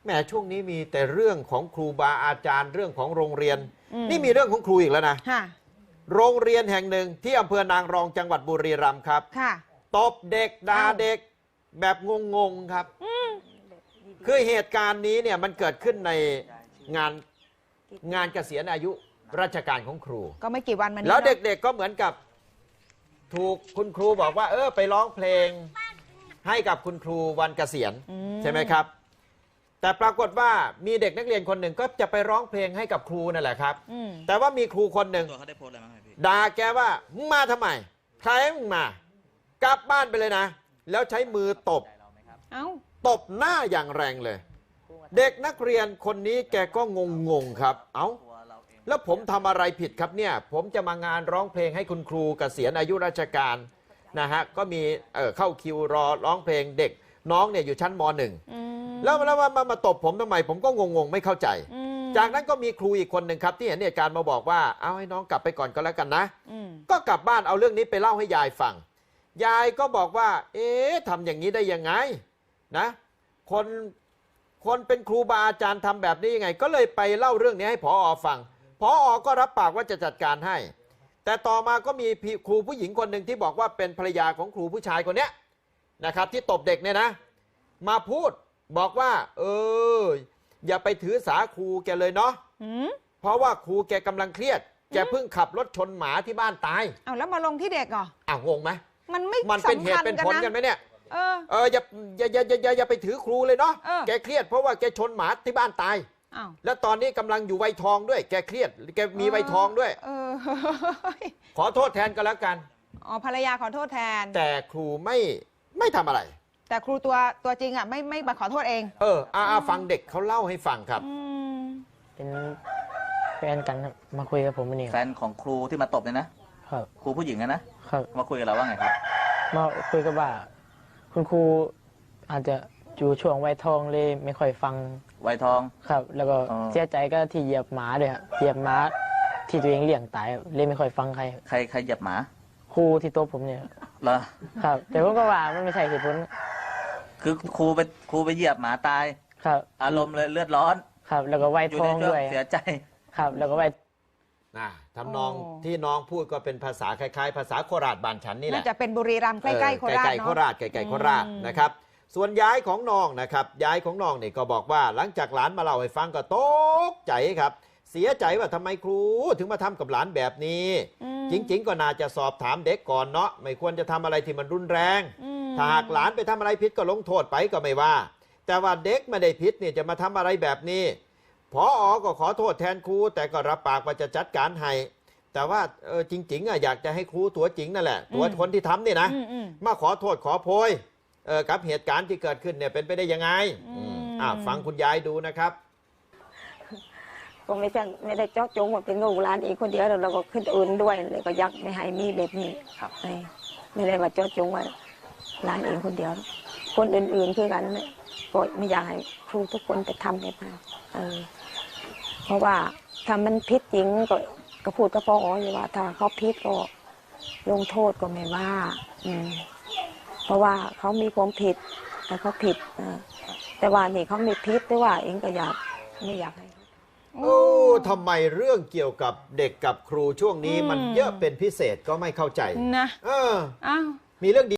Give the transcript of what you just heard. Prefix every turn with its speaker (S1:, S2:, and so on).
S1: แหมช่วงนี้มีแต่เรื่องของครูบาอาจารย์เรื่องของโรงเรียนนี่มีเรื่องของครูอีกแล้วนะโรงเรียนแห่งหนึ่งที่อำเภอนางรองจังหวัดบุรีรัมย์ครับตบเด็กด่าเด็กแบบงงๆครับคือเหตุการณ์นี้เนี่ยมันเกิดขึ้นในงานเกษียณอายุราชการของครู
S2: ก็ไม่กี่วันมานี้
S1: แล้วเด็กๆก็เหมือนกับถูกคุณครูบอกว่าไปร้องเพลงให้กับคุณครูวันเกษียณใช่ไหมครับแต่ปรากฏว่ามีเด็กนักเรียนคนหนึ่งก็จะไปร้องเพลงให้กับครูนั่นแหละครับแต่ว่ามีครูคนหนึ่งด่าแกว่ามึงมาทำไมใครมึงมากลับบ้านไปเลยนะแล้วใช้มือตบหน้าอย่างแรงเลยเด็กนักเรียนคนนี้แกก็งงครับแล้วผมทำอะไรผิดครับเนี่ยผมจะมางานร้องเพลงให้คุณครูเกษียณอายุราชการนะฮะก็มีเข้าคิวรอร้องเพลงเด็กน้องเนี่ยอยู่ชั้นม.1แล้วมาตบผมทำไมผมก็งงไม่เข้าใจจากนั้นก็มีครูอีกคนหนึ่งครับที่เห็นเหตุการณ์มาบอกว่าเอาให้น้องกลับไปก่อนก็แล้วกันนะก็กลับบ้านเอาเรื่องนี้ไปเล่าให้ยายฟังยายก็บอกว่าทำอย่างนี้ได้ยังไงนะคนเป็นครูบาอาจารย์ทำแบบนี้ยังไงก็เลยไปเล่าเรื่องนี้ให้ผอ.ฟังผอ.ก็รับปากว่าจะจัดการให้แต่ต่อมาก็มีครูผู้หญิงคนหนึ่งที่บอกว่าเป็นภรรยาของครูผู้ชายคนนี้นะครับที่ตบเด็กเนี่ยนะมาพูดบอกว่าอย่าไปถือสาครูแกเลยเนาะเพราะว่าครูแกกำลังเครียดแกเพิ่งขับรถชนหมาที่บ้านตาย
S2: แล้วมาลงที่เด็กเหร
S1: องงไหม
S2: มัน
S1: เป็นเหตุเป็นผลกันไหมเนี่ยอย่าไปถือครูเลยเนาะแกเครียดเพราะว่าแกชนหมาที่บ้านตายแล้วตอนนี้กำลังอยู่วัยทองด้วยแกเครียดแกมีวัยทองด้วยขอโทษแทนก็แล้วกัน
S2: ภรรยาขอโทษแทน
S1: แต่ครูไม่ทำอะไร
S2: แต่ครูตัวจริงไม่มาขอโทษเอง
S1: ฟังเด็กเขาเล่าให้ฟังครับ
S3: เป็นแฟนกันมาคุยกับผมนี่
S4: แฟนของครูที่มาตบเนี่ยนะครับครูผู้หญิงนะครับมาคุยกับเราว่าไงครับ
S3: มาคุยกับว่าคุณครูอาจจะอยู่ช่วงวัยทองเลยไม่ค่อยฟัง
S4: วัยทอง
S3: ครับแล้วก็เสียใจก็ที่เหยียบหมาด้วยครับเหยียบหมาที่ตัวเองเลี้ยงตายเลยไม่ค่อยฟังใคร
S4: เหยียบหมา
S3: ครูที่โต๊ะผมเนี่ย
S4: เหรอ
S3: ครับแต่ผมก็ว่ามันไม่ใช่เหตุผล
S4: คือครูไปเหยียบหมาตาย
S3: ครับ
S4: อารมณ์เลยเลือดร้อน
S3: ครับแล้วก็วัยทองด้วย
S4: เสียใจ
S3: ครับแล้วก็วัย
S1: ทำนองที่น้องพูดก็เป็นภาษาคล้ายๆภาษาโคราชบ้านฉันนี่แหละ
S2: น่าจะเป็นบุรีรัมย์ใกล้ๆโคราชเนาะ
S1: ใกล้ๆโคราชนะครับส่วนย้ายของน้องนะครับย้ายของน้องเนี่ยก็บอกว่าหลังจากหลานมาเล่าให้ฟังก็ตกใจครับเสียใจว่าทำไมครูถึงมาทำกับหลานแบบนี้จริงๆก็น่าจะสอบถามเด็กก่อนเนาะไม่ควรจะทำอะไรที่มันรุนแรงถ้าหากหลานไปทำอะไรผิดก็ลงโทษไปก็ไม่ว่าแต่ว่าเด็กไม่ได้ผิดเนี่ยจะมาทำอะไรแบบนี้ผอ.ก็ขอโทษแทนครูแต่ก็รับปากว่าจะจัดการให้แต่ว่าจริงๆอยากจะให้ครูตัวจริงนั่นแหละตัวคนที่ทำนี่นะมาขอโทษขอโพยกับเหตุการณ์ที่เกิดขึ้นเนี่ยเป็นไปได้ยังไงฟังคุณยายดูนะครับ
S5: ก็ไม่ได้เจาะจงว่าเป็นลูกหลานเองคนเดียวเราก็ขึ้นอื่นด้วยเลยก็ยักไม่ให้มีแบบนี้ไม่ได้ว่าเจาะจงว่าหลานเองคนเดียวคนอื่นๆคือกันก็ไม่อยากให้ครูทุกคนไปทำแบบนั้นเพราะว่าถ้ามันผิดจริงก็พูดกับพ่ออยู่ว่าถ้าเขาผิดก็ลงโทษก็ไม่ว่าเพราะว่าเขามีความผิดแต่เขาผิดแต่ว่านี่เขาไม่ผิดแต่ว่าเองก็ไม่อยากให้
S1: ทำไมเรื่องเกี่ยวกับเด็กกับครูช่วงนี้มันเยอะเป็นพิเศษก็ไม่เข้าใจ
S2: นะ
S1: มีเรื่องดี